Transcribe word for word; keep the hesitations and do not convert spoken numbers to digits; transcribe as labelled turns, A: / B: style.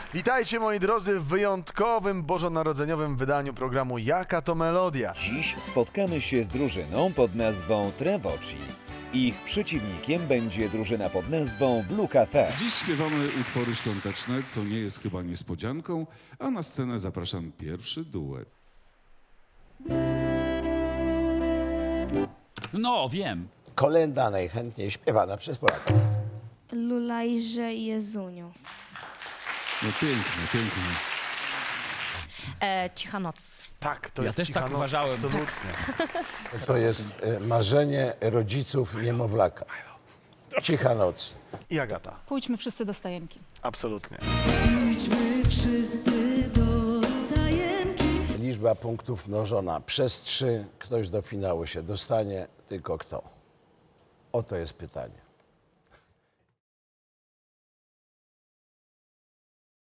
A: Witajcie moi drodzy w wyjątkowym bożonarodzeniowym wydaniu programu Jaka to Melodia.
B: Dziś spotkamy się z drużyną pod nazwą Trevoci. Ich przeciwnikiem będzie drużyna pod nazwą Blue Cafe.
C: Dziś śpiewamy utwory świąteczne, co nie jest chyba niespodzianką, a na scenę zapraszam pierwszy duet.
D: No, wiem.
E: Kolenda najchętniej śpiewana przez Polaków.
F: Lulajże Jezuniu.
C: No pięknie, pięknie.
G: E, Cicha noc.
A: Tak, to
D: Ja
A: jest
D: też
A: Cicha
D: tak
A: Noc,
D: uważałem.
A: Absolutnie.
E: To jest e, marzenie rodziców niemowlaka. Cicha noc.
A: I Agata.
H: Pójdźmy wszyscy do stajenki.
A: Absolutnie.
I: Pójdźmy wszyscy do stajenki.
E: Liczba punktów mnożona przez trzy. Ktoś do finału się dostanie, tylko kto? Oto jest pytanie.